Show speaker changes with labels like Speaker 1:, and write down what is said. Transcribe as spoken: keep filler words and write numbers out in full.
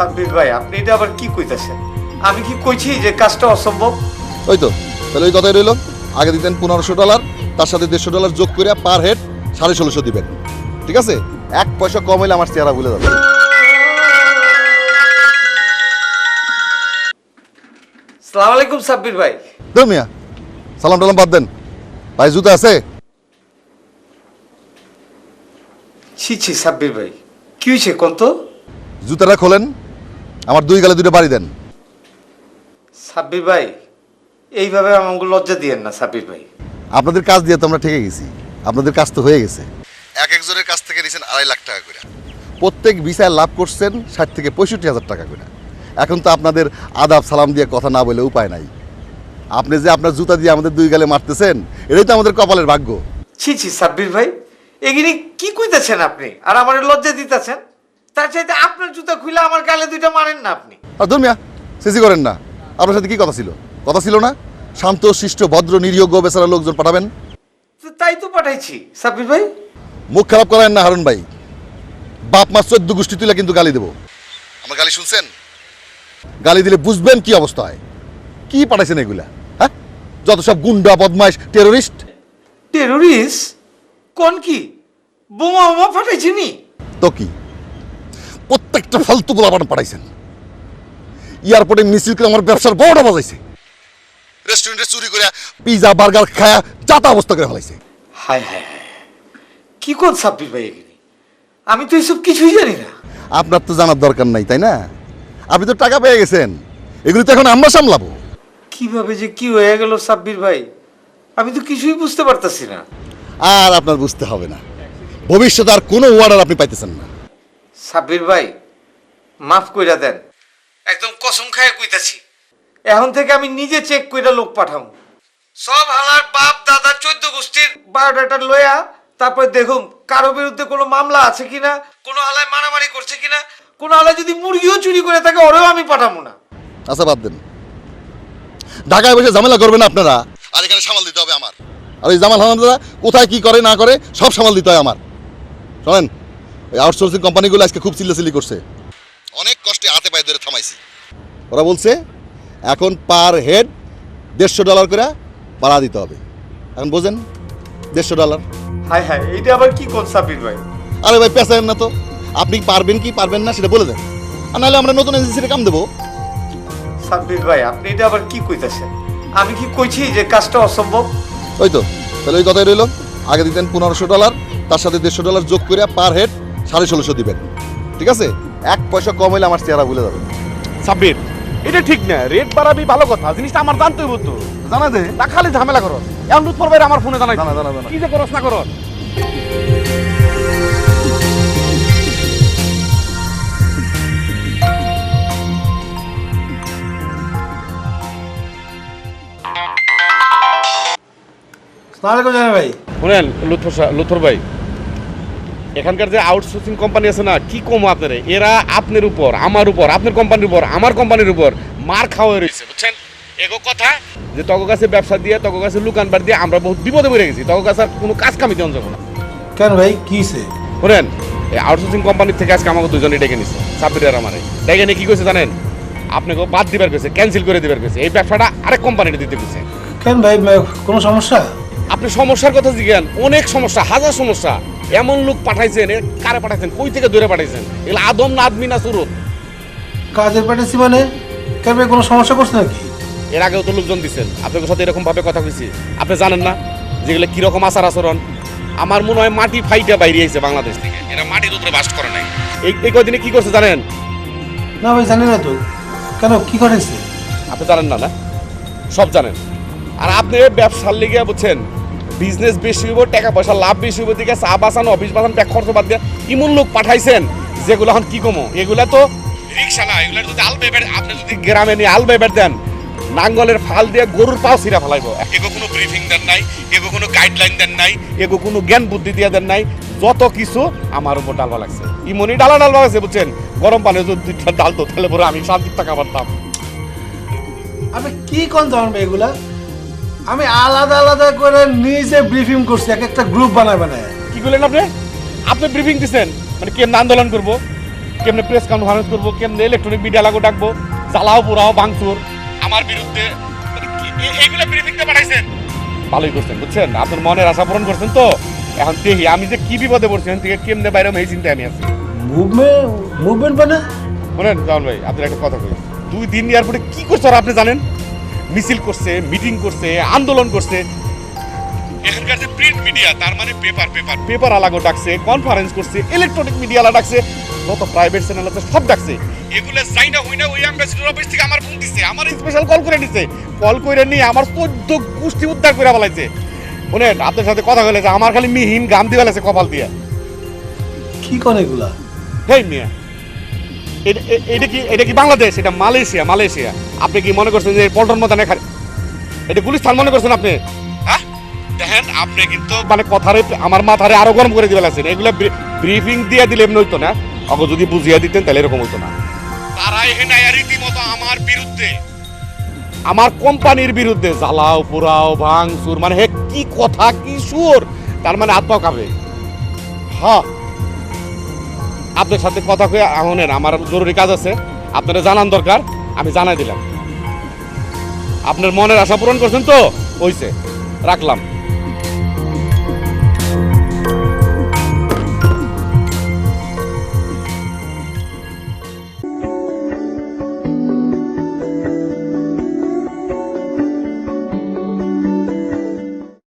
Speaker 1: সাব্বির ভাই আপনি এটা আবার কি কইতাছেন? আমি কি কইছি যে কাজটা অসম্ভব?
Speaker 2: ওই তো তাহলে ওই কথাই রইল। আগে দিতেন পনেরোশো ডলার, তার সাথে দেড়শো ডলার যোগ করে পার হেড সাড়ে ষোলোশো দিবেন। ঠিক আছে, এক পয়সা কম হইলে আমার চেহারা ভুলে যাবে।
Speaker 1: আসসালামু আলাইকুম সাব্বির ভাই।
Speaker 2: দেন মিয়া, সালাম টালাম বাদ দেন। ভাই জুতা আছে?
Speaker 1: ছি ছি সাব্বির ভাই, কি হয়েছে কোন তো?
Speaker 2: জুতাটা খোলেন, আমার দুই গালে দুটো বাড়ি দেন।
Speaker 1: সাব্বির ভাই এইভাবে আমাকে লজ্জা দিয়েন না সাব্বির ভাই।
Speaker 2: আপনাদের কাজ দিয়ে তো আমরা ঠেকে গেছি, আপনাদের কাজ তো হয়ে গেছে। এক একজনের কাছ থেকে নিয়েছেন আড়াই লাখ টাকা করে, প্রত্যেক ভিসায় লাভ করছেন ষাট থেকে পঁয়ষট্টি হাজার টাকা করে। এখন তো আপনাদের আদাব সালাম দিয়ে কথা না বলে উপায় নাই। আপনি যে আপনার জুতা দিয়ে আমাদের দুই গালে মারতেছেন, এটাই তো আমাদের কপালের ভাগ্য।
Speaker 1: ছি ছি সাব্বির ভাই, এগিনি কি কইতাছেন আপনি? আর আমার লজ্জা দিতেছেন? তার চাইতে আপনার জুতা খুলে আমার গালে দুইটা মারেন না আপনি।
Speaker 2: আর ধর্মিয়া সিসি করেন না। আপনার সাথে কি কথা ছিল? কথা ছিল না শান্ত শিষ্ট ভদ্র নিরীহ গো বেচারা লোকজন পাঠাবেন?
Speaker 1: তো তাই তো পাঠাইছি সাব্বির ভাই।
Speaker 2: মুখ খারাপ করেন না হারুন ভাই, বাপ মা চোদ্দ গোষ্ঠী তুলে কিন্তু গালি দেবো। আমার গালি শুনছেন? গালি দিলে বুঝবেন কি অবস্থা হয়। কি পাঠাইছেন এগুলা? হ্যাঁ, যত সব গুন্ডা বদমাইশ টেরোরিস্ট।
Speaker 1: টেরোরিস্ট কোন কি? বোমা বোমা ফাটাইছি নি?
Speaker 2: তো কি প্রত্যেকটা ফালতু গোলাপান পাঠাইছেন। এয়ারপোর্টে মিছিল করে আমার ব্যবসার বড়টা বাজাইছে। রেস্টুরেন্টে চুরি করে পিজা বার্গার খায়া চাতা অবস্থা করে ফেলাইছে।
Speaker 1: হায় হায় হায়, কি কোন সাব্বির ভাই এগিনি? আমি তো এসব কিছুই জানি না।
Speaker 2: আপনার তো জানার দরকার নাই, তাই না? আপনি তো টাকা পেয়ে গেছেন, এগুলি তো এখন আমরা সামলাবো।
Speaker 1: কিভাবে যে কি হয়ে গেল সাব্বির ভাই, আমি তো কিছুই বুঝতে পারতাছি না।
Speaker 2: আর আপনার বুঝতে হবে না, ভবিষ্যতে আর কোনো ওয়ার্ডার আপনি পাইতেছেন না।
Speaker 1: সাব্বির ভাই মাফ কইরা দেন, একদম কসম খায় কইতাছি, এখন থেকে আমি নিজে চেক কইরা লোক পাঠাম। সব হালার বাপ দাদা চোদ্দ গোষ্ঠীর বায়োডাটা লইয়া তারপরে দেখুন কারো বিরুদ্ধে কোনো মামলা আছে কিনা, কোনো হালায় মারামারি করছে কিনা, কোনো হালায় যদি মুরগিও চুরি করে থাকে ওরেও আমি পাঠাবো না।
Speaker 2: আচ্ছা বাদ দেন, ঢাকায় বসে ঝামেলা করবেন আপনারা, আর এখানে সামাল দিতে হবে আমার। আর ওই জামাল হামানদারা কোথায় কি করে না করে সব সামাল দিতে হয় আমার। শোনেন, ওই আউটসোর্সিং কোম্পানিগুলো আজকে খুব চিল্লাচিল্লি করছে, অনেক কষ্টে হাতে পায়ে ধরে থামাইছি। ওরা বলছে এখন পার হেড দেড়শো ডলার করে ভাড়া দিতে হবে। এখন বোঝেন, দেড়শো ডলার।
Speaker 1: হায় হায়, এইটা আবার কি কোন সাব্বির ভাই?
Speaker 2: আরে ভাই পেঁচায়েন না তো, আপনি পারবেন কি পারবেন না সেটা বলে দেন, আর নাহলে আমরা নতুন এজেন্সিতে কাম দেবো।
Speaker 1: সাব্বির ভাই আপনি এটা আবার কি কইতাছেন? আমি কি কইছি যে কাজটা অসম্ভব?
Speaker 2: ওই তো তাহলে ওই কথাই রইল। আগে দিতেন পনেরোশো ডলার, তার সাথে দেড়শো ডলার যোগ করে পার হেড সাড়ে ষোলোশো দিবেন। ঠিক আছে, এক পয়সা কম হইলে আমার চেহারা ভুলে যাবে।
Speaker 3: সাব্বির এটা ঠিক না, রেট বাড়াবি ভালো কথা, জিনিসটা আমার জানতে হইব তো।
Speaker 2: জানা দে
Speaker 3: তা খালি ঝামেলা করো, এমন লুৎফর ভাই আমার ফোনে জানাই
Speaker 2: জানা জানা জানা
Speaker 3: কি যে করস না করস।
Speaker 1: সালামালাইকুম জানা ভাই।
Speaker 3: শুনেন লুৎফর সা- লুৎফর ভাই, এখানকার যে আউটসোর্সিং কোম্পানি আছে না, কি কম আপনার, এরা আপনার উপর আমার উপর আপনার কোম্পানির উপর আমার কোম্পানির উপর মার খাওয়া রয়েছে বুঝছেন। এগো কথা যে তগো কাছে ব্যবসা দিয়ে তগো কাছে লুকানবার দিয়ে আমরা বহুত বিপদে পড়ে গেছি, তগো কাছে আর কোনো কাজ কামি দেওয়া যাবো না।
Speaker 4: কেন ভাই কিছে?
Speaker 3: শুনেন, এই আউটসোর্সিং কোম্পানির থেকে আজকে আমাকে দুজনে ডেকে নিছে, সাব্বির আর আমারে ডেকে নিয়ে কি কইছে জানেন? আপনাকে বাদ দিবার কইছে, ক্যান্সেল করে দিবার কইছে, এই ব্যবসাটা আরেক কোম্পানিতে দিতে কইছে।
Speaker 4: কেন ভাই কোনো সমস্যা?
Speaker 3: আপনি সমস্যার কথা জিজ্ঞান, অনেক সমস্যা, হাজার সমস্যা। এমন লোক পাঠাইছেন, এ কারে পাঠাইছেন, কই থেকে দূরে পাঠাইছেন, এগুলো আদম না আদমি না সুরত।
Speaker 4: কাজের পাঠাচ্ছি মানে? কেন ভাই কোনো সমস্যা করছে নাকি?
Speaker 3: এর আগেও তো লোকজন দিচ্ছেন, আপনাদের সাথে এরকম ভাবে কথা কইছি, আপনি জানেন না যেগুলো কিরকম আচার আচরণ। আমার মনে হয় মাটি ফাইটা বাইরে আইছে বাংলাদেশ থেকে, এরা মাটির উপরে বাস করে নাই। এই এই কয়দিনে কি করছে জানেন?
Speaker 4: না ভাই জানি না তো। কেন কি করেছে?
Speaker 3: আপনি জানেন না? না সব জানেন। আর আপনি ব্যবসার লিগে বুঝছেন, বিজনেস বেশি হইব, টাকা পয়সা লাভ বেশি হইব, দিকে চা বাঁচানো অফিস বাঁচানো ব্যাগ খরচ বাদ দিয়ে ইমন লোক পাঠাইছেন যেগুলো এখন কি কমো, এগুলা তো রিক্সা না, এগুলা যদি আল বেবের আপনি যদি গ্রামে নিয়ে আল বেবের দেন, নাঙ্গলের ফাল দিয়ে গরুর পাও ছিঁড়া ফেলাইব। এগো কোনো ব্রিফিং দেন নাই, এগো কোনো গাইডলাইন দেন নাই, এগো কোনো জ্ঞান বুদ্ধি দিয়ে দেন নাই, যত কিছু আমার উপর ডালবা লাগছে। ইমনি ডালা ডালবা লাগছে বুঝছেন। গরম পানি যদি ডালতো তাহলে পরে আমি শান্তির টাকা পারতাম।
Speaker 4: আমি কি কোন ধরন ভাই এগুলা? আমি আলাদা আলাদা করে নিজে ব্রিফিং করছি, এক একটা গ্রুপ বানায় বানায়।
Speaker 3: কি করলেন আপনি? আপনি ব্রিফিং দিচ্ছেন মানে কেমন আন্দোলন করবো? কেমনে প্রেস কনফারেন্স করবো, কেমনে ইলেকট্রনিক মিডিয়া লাগো ডাকবো, জ্বালাও পোড়াও ভাঙচুর আমার বিরুদ্ধে, মানে কি- এ- এইগুলা ব্রিফিংটা পাঠাইছেন। ভালোই করছেন বুঝছেন, আপনার মনের আশা পূরণ করছেন। তো এখন দেখি আমি যে কি বিপদে পড়ছি, এখন থেকে কেমনে বাইরে এই চিন্তায় আমি আছি।
Speaker 4: মুভমেন্ট মুভমেন্ট মানে
Speaker 3: শোনেন জামান ভাই, আপনার একটা কথা কই, দুই দিন এয়ারপোর্টে কি করছে আর আপনি জানেন? মিছিল করছে, মিটিং করছে, আন্দোলন করছে। এখানকার যে প্রিন্ট মিডিয়া, তার মানে পেপার পেপার পেপার আলাগো ডাকছে, কনফারেন্স করছে, ইলেকট্রনিক মিডিয়া আলা ডাকছে, যত প্রাইভেট চ্যানেল আছে সব ডাকছে। এগুলো যাই না হই না ওই অ্যাম্বাসিডর অফিস থেকে আমার ফোন দিচ্ছে, আমার স্পেশাল কল করে নিছে, কল করে নিয়ে আমার চোদ্দ গোষ্ঠী উদ্ধার করে বলাইছে। শোনেন আপনার সাথে কথা বলে যে আমার খালি মিহিন গাম দিয়ে ফেলেছে কপাল দিয়ে।
Speaker 4: কি কোন এগুলা?
Speaker 3: হেই মিয়া, এটা এ- এটা কি এটা কি বাংলাদেশ? এটা মালয়েশিয়া। মালয়েশিয়া আপনি কি মনে করছেন যে পল্টন ময়দানে খালি এটা গুলিস্তান মনে করছেন আপনি? হ্যাঁ দেখেন, আপনি কিন্তু মানে কথারে আমার মাথারে আরো গরম করে দিবে লাগছেন। এগুলো ব্রিফিং দিয়ে দিলে এমনি হইতো না, অগো যদি বুঝিয়ে দিতেন তাহলে এরকম হইতো না। তারা এখানে রীতিমতো আমার বিরুদ্ধে, আমার কোম্পানির বিরুদ্ধে জ্বালাও পোড়াও ভাঙচুর, মানে হে কি কথা কি সুর, তার মানে আত্মা কাঁপে। হ্যাঁ আপনার সাথে কথা কয়ে আহনের আমার জরুরি কাজ আছে, আপনারা জানান দরকার, আমি জানাই দিলাম। আপনার মনের আশা পূরণ করছেন তো, হইছে, রাখলাম।